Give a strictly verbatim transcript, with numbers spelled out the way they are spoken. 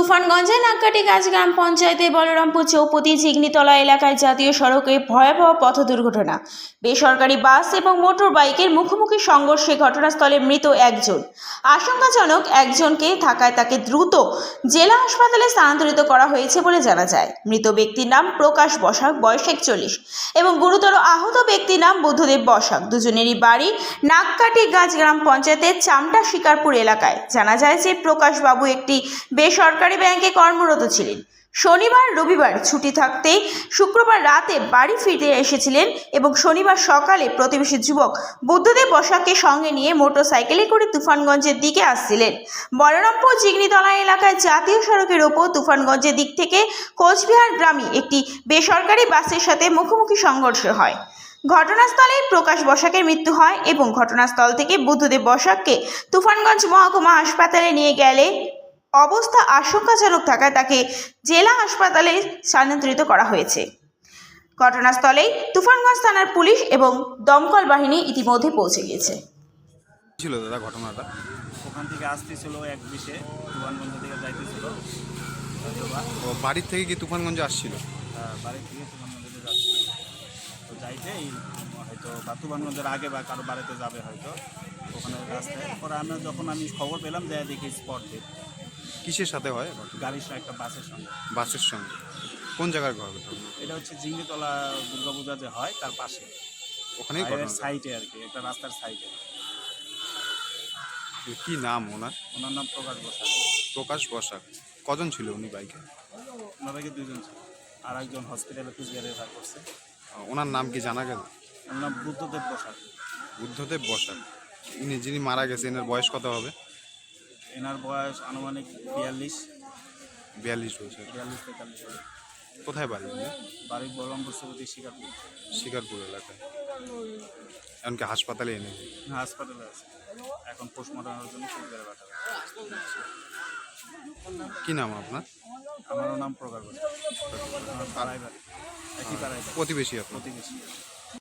তুফানগঞ্জের নাককাটিগাছ গ্রাম পঞ্চায়েতের বলরামপুর চৌপতি ঝিগনিতলা এলাকায় জাতীয় সড়কে ভয়াবহ পথ দুর্ঘটনা। বেসরকারি বাস এবং মোটর বাইকের মুখোমুখি সংঘর্ষে ঘটনাস্থলে মৃত একজন, আশঙ্কাজনক একজনকে থাকায় তাকে দ্রুত জেলা হাসপাতালে স্থানান্তরিত করা হয়েছে বলে জানা যায়। মৃত ব্যক্তির নাম প্রকাশ বসাক, বয়স একচল্লিশ, এবং গুরুতর আহত ব্যক্তির নাম বুদ্ধদেব বসাক। দুজনেরই বাড়ি নাককাটিগাছ গ্রাম পঞ্চায়েতের চামটা শিকারপুর এলাকায়। জানা যায় যে প্রকাশ বাবু একটি বেসরকারি ব্যাংকে কর্মরত ছিলেন। শনিবার রবিবার ছুটি থাকতে শুক্রবার রাতে বাড়ি ফিরে এসেছিলেন এবং শনিবার সকালে প্রতিবেশী যুবক বুদ্ধদেব বসাককে সঙ্গে নিয়ে মোটরসাইকেলে করে তুফানগঞ্জের দিকে আসছিলেন। বলরামপুর ঝিগনিতলা এলাকায় জাতীয় সড়কের ওপর তুফানগঞ্জের দিক থেকে কোচবিহার গ্রামে একটি বেসরকারি বাসের সাথে মুখোমুখি সংঘর্ষ হয়। ঘটনাস্থলে প্রকাশ বসাকের মৃত্যু হয় এবং ঘটনাস্থল থেকে বুদ্ধদেব বসাককে তুফানগঞ্জ মহকুমা হাসপাতালে নিয়ে গেলে অবস্থা আশঙ্কাজনক থাকায় তাকে জেলা হাসপাতালে স্থানান্তরিত করা হয়েছে। ঘটনাস্থলেই তুফানগঞ্জ থানার পুলিশ এবং দমকল বাহিনী ইতিমধ্যে পৌঁছে গিয়েছে। ছিল দাদা ঘটনাটা? ওখান থেকে আসতেছিল এক বিশে, তুফানগঞ্জ থেকে যাইতেছিল। ও বাড়ির থেকে কি তুফানগঞ্জে আসছিল? বাড়ি থেকে তুফানগঞ্জে যাচ্ছিল, তো যাইতে হয়তো বা তুফানগঞ্জের আগে বা কারো বাড়িতে যাবে হয়তো, ওখানে রাস্তায় পরে আমরা যখন আমি খবর পেলাম যে দেখি স্পট ডেট। কিসের সাথে হয়? গাড়ির সঙ্গে একটা বাসের সঙ্গে। বাসের সঙ্গে? কোন জায়গার ঘর? এটা হচ্ছে ঝিগনিতলা দুর্গাপূজা যে হয় তার পাশে, ওখানেই সাইডে আর কি, একটা রাস্তার সাইডে। কি নাম ওনার? ওনার নাম প্রকাশ বসাক। প্রকাশ বসাক। কজন ছিল উনি বাইকে? ওনার বাইকে দুইজন ছিল, আর একজন হসপিটালে কুচবিহারে রেফার করছে। ওনার নাম কি জানা গেল? ওনার নাম বুদ্ধদেব বসাক। বুদ্ধদেব বসাক। ইনি যিনি মারা গেছে এনার বয়স কত হবে? এনার বয়স আনুমানিক বিয়াল্লিশ বিয়াল্লিশ বছর। বিয়াল্লিশ তেতাল্লিশ হবে। কোথায় বাড়ি? বাড়ি বলরামপুর চৌপতি শিকারপুর। শিকারপুর এলাকায়। এমনকি হাসপাতালে এনে হাসপাতালে আছে, এখন পোস্টমর্টমের জন্য কুচবিহারে পাঠাবে। কি নাম আপনার? আমারও নাম প্রকাশ বসাক। আমার পাড়ায় বাড়ি, একই পাড়ায় বাড়ি, প্রতিবেশী আপনার? প্রতিবেশী।